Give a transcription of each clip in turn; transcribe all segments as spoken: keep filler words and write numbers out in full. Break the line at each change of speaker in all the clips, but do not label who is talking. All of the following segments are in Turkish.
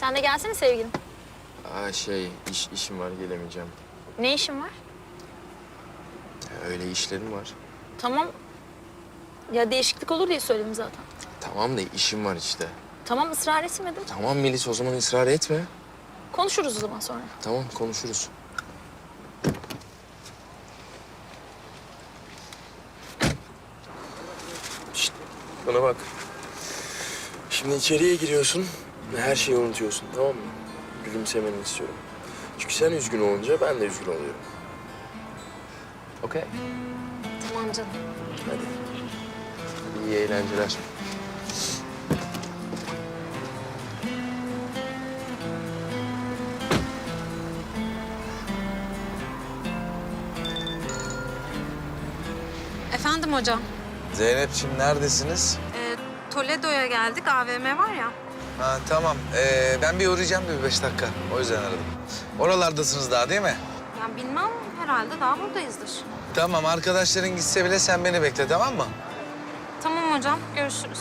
Sen de gelsene sevgilim.
Aa şey, iş, işim var gelemeyeceğim.
Ne işin var?
Ya, öyle işlerim var.
Tamam. Ya değişiklik olur diye söyledim zaten.
Tamam da işim var işte.
Tamam ısrar etmedim.
Tamam Melis, o zaman ısrar etme.
Konuşuruz o zaman sonra.
Tamam, konuşuruz. Şişt, bana bak. Şimdi içeriye giriyorsun ve her şeyi unutuyorsun, tamam mı? Gülümsemeni istiyorum. Çünkü sen üzgün olunca ben de üzgün oluyorum. Okey.
Tamam canım.
Hadi. Hadi iyi eğlenceler.
Efendim hocam.
Zeynep'ciğim neredesiniz?
Ee, Toledo'ya geldik. A V M var ya.
Ha, tamam. Ee, ben bir uğrayacağım bir beş dakika. O yüzden aradım. Oralardasınız daha değil mi?
Ya bilmem herhalde daha buradayızdır.
Tamam, arkadaşların gitse bile sen beni bekle, tamam mı?
Tamam hocam. Görüşürüz.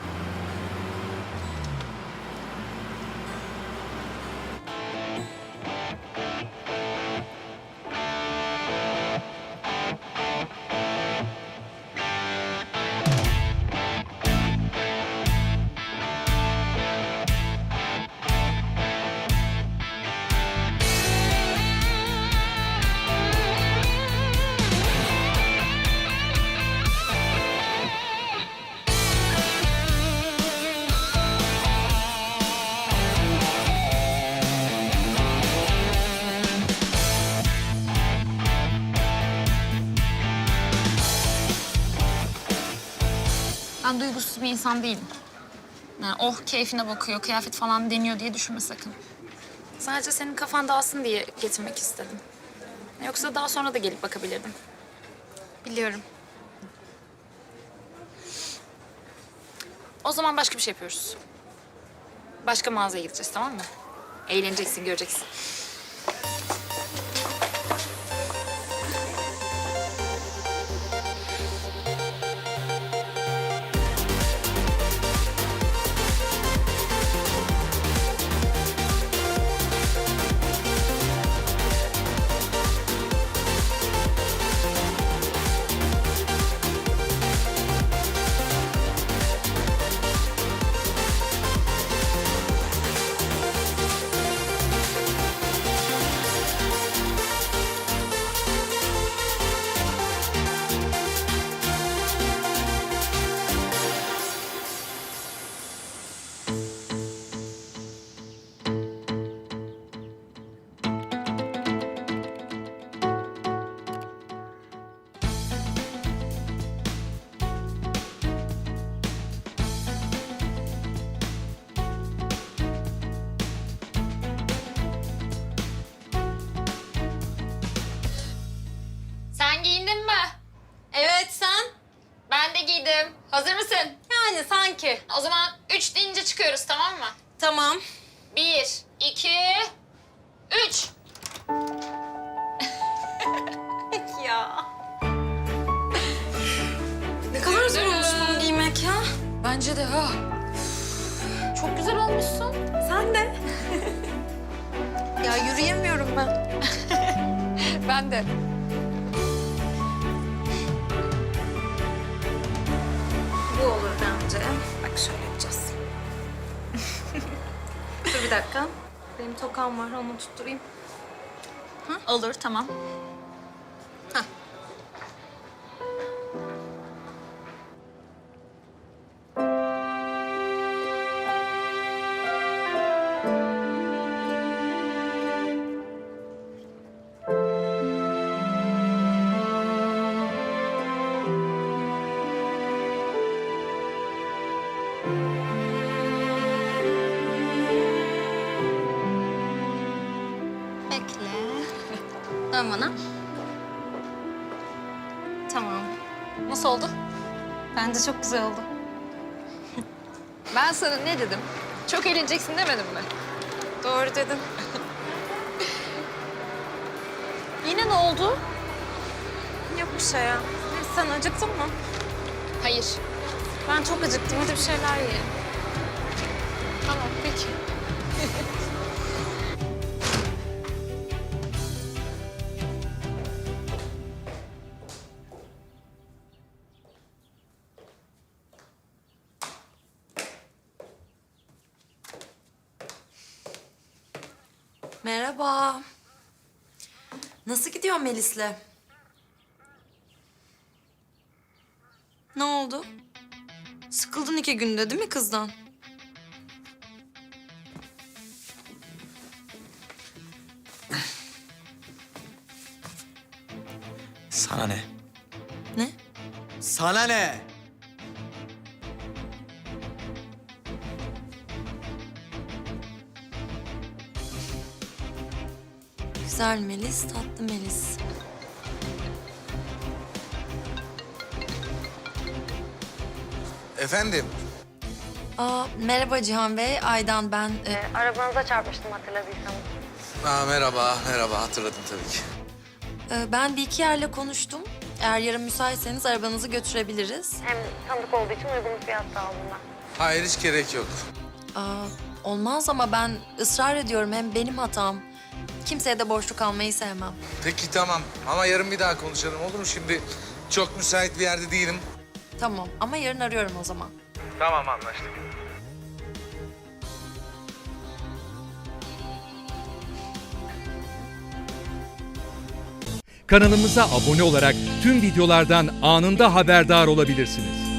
Ben duygusuz bir insan değilim. Yani oh keyfine bakıyor, kıyafet falan deniyor diye düşünme sakın. Sadece senin kafan dağılsın diye getirmek istedim. Yoksa daha sonra da gelip bakabilirdim.
Biliyorum.
O zaman başka bir şey yapıyoruz. Başka mağazaya gideceğiz, tamam mı? Eğleneceksin, göreceksin. Sen giyindin mi?
Evet sen?
Ben de giydim. Hazır mısın?
Yani sanki.
O zaman üç deyince çıkıyoruz, tamam mı?
Tamam.
Bir, iki, üç.
Peki ya. Ne kadar zor olmuş bunu giymek ya.
Bence de ha. Çok güzel olmuşsun.
Sen de. Ya yürüyemiyorum ben.
Ben de.
Bu olur bence. Bak şöyle yapacağız. Dur bir dakika. Benim tokam var, onu tutturayım.
Olur, tamam.
Hah. Bekle. Dön bana. Tamam.
Nasıl oldu?
Bence çok güzel oldu.
Ben sana ne dedim? Çok eğleneceksin demedim mi?
Doğru dedin.
Yine ne oldu?
Yok bir şey ya. Sen acıktın mı?
Hayır.
Ben çok acıktım. Hadi bir şeyler yiyelim.
Tamam, peki.
Merhaba. Nasıl gidiyor Melis'le? Ne oldu? Sıkıldın iki günde değil mi kızdan?
Sana ne?
Ne?
Sana ne?
Güzel Melis, tatlı Melis.
Efendim?
Aa, merhaba Cihan Bey, Aydan ben. Ee,
Arabanıza çarpmıştım hatırladıysanız.
Aa, merhaba, merhaba. Hatırladım tabii ki.
e, ben bir iki yerle konuştum. Eğer yarın müsaitseniz arabanızı götürebiliriz.
Hem tanıdık olduğu için uygun bir fiyatta aldım ben.
Hayır, hiç gerek yok.
Aa, olmaz ama ben ısrar ediyorum. Hem benim hatam. Kimseye de borçlu kalmayı sevmem.
Peki tamam ama yarın bir daha konuşalım olur mu? Şimdi çok müsait bir yerde değilim.
Tamam ama yarın arıyorum o zaman.
Tamam, anlaştık.
Kanalımıza abone olarak tüm videolardan anında haberdar olabilirsiniz.